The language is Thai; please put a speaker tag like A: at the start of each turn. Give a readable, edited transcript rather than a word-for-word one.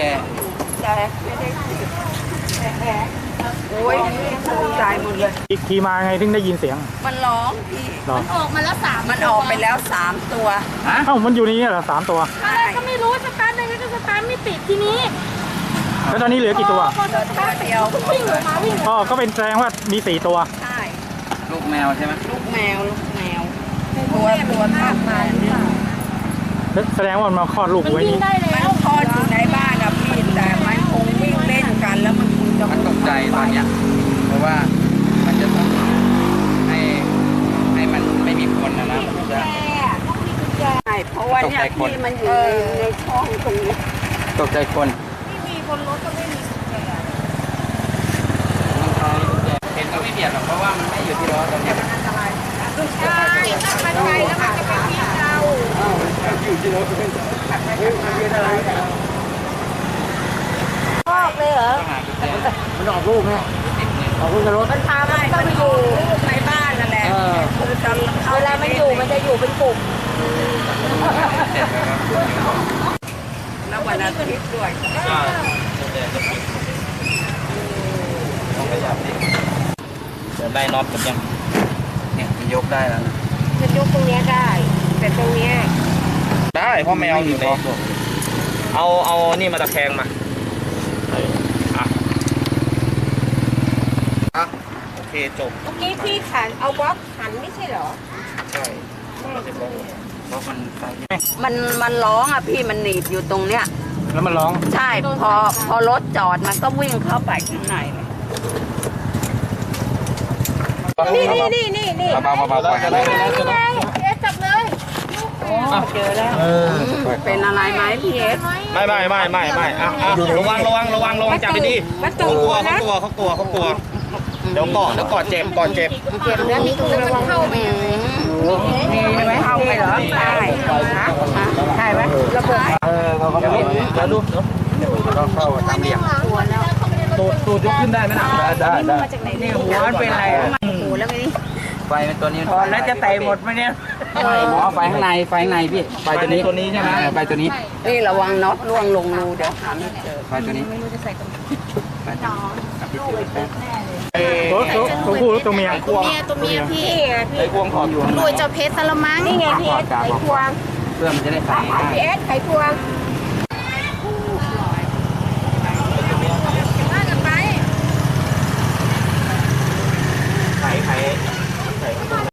A: แต่ไม่ได้โอ้ยตายหมดเลย
B: ขี่มาไงถึงได้ยินเสียง
A: มันร้องพี่
C: มันออกมาแล้ว3
A: มันออกไปแล้ว3ตัว
B: เอ้ามันอยู่นี่เหรอ3ตัว
C: ก็ไม่รู้สตาร์ทได้ก็สตาร์ทไม่ติดทีนี้
B: แล้วตอนนี้เหลือกี่ตัว
A: ตัวเดียว
C: วิ่งออกมาวิ่ง
B: อ๋อก็เป็นแสดงว่ามี4ตัว
A: ใช่
D: ลูกแมวใช่ไหม
A: ลูกแมวตัวทากมา
B: แสดงว่ามันมาคลอดลูกไว้นี่
A: มันคลอดอยู่ในบ้านอะพี่แต่มันคงวิ่งเล่นกันแล้วมันคงจะ
D: มันตกใจตอนเนี้ยเพราะว่ามันจะต้องให้มันไม่มีคนนะมันจะ
A: ใช่เพราะว่าเนี่ยที่มันอยู่ในช่องตรงนี้
D: ตกใจคน
C: ที่มีบนรถก็ไม่มีกุญแจ
D: เห็นก็ไม่เบียดหรอกเพราะว่ามันไม่อยู่ที่ล้อตอนนี้
C: ใช่ถ้ามันไปแล้วมันจะเป็นที่เรา
D: อยู่ที่ล้อเป็นอะไร
C: ออกเลยเหรอ
D: มันออกลูกไงออกลูกจะรถ
C: มันพามันก็ไปอยู่
A: ในบ้านนั่นแหละ
C: เวลามันอยู่มันจะอยู่เป็นกลุ่ม
A: แล้ววันอาทิตย์ด้วย
D: ต้องขยับดิเดี๋ยวได้น็อตกันยังเนี่ยมันยกได้แล้วนะ
C: จะยกตรงนี้ได้แต่ตรงนี้
D: ได้เพราะแมวอยู่ในเอานี่มาตะแคงมาโอเคจบ
C: เมื่อกี้พี่ขันเอาบล็อกขันไม่ใช่เหรอ
D: ใช่เพราะ
A: มันร้องอ่ะพี่มันหนีบอยู่ตรงเนี้ย
B: แล้วมันร้อง
A: ใช่พอรถจอดมันก็วิ่งเข้าไปข้างใน
C: นี่
D: เบาๆปล่อยกันเลย
C: จับเลย
A: เจอแล้วเป็นอะไรไหมพี่เอส
D: ไม่ระวังจับดีๆเขากลัวเดี๋ยวกอดเจ็บ
C: แล้วมีตัวมันเข้าไป
A: มีไหมเข้าไปเหรอใช่ไหมระเบิด
D: แล้วลูกเนาะก็เข้าตามเหลี่ยมตูดยกขึ้นได้ไหมนะได้
A: นี่หัวเป็นอะไรหูแล้วไง
D: ไฟเป็นตัวนี้
A: ถอนแล้วจะใส่หมดไหมเนี่ย
D: ไฟข้างในพี่ไฟตัวนี้ใช่ไหมไฟตัวนี้
A: นี่ระวังน็อตล่วงลงรูเดี๋ยวหาไม่เจอ
D: ไฟตัวนี้
C: ไม่รู้จะใส่ตรงไหน
B: ตัวผู้ตัวเมีย
C: ตัวเมียพี่
D: ไอ้ควงขอบอยู่
C: รวยเจ้าเพชรสละมัง
A: นี่ไงพี่เอสไขควง
D: เพื่อมันจะได้ใส่
A: พี่เอสไขควง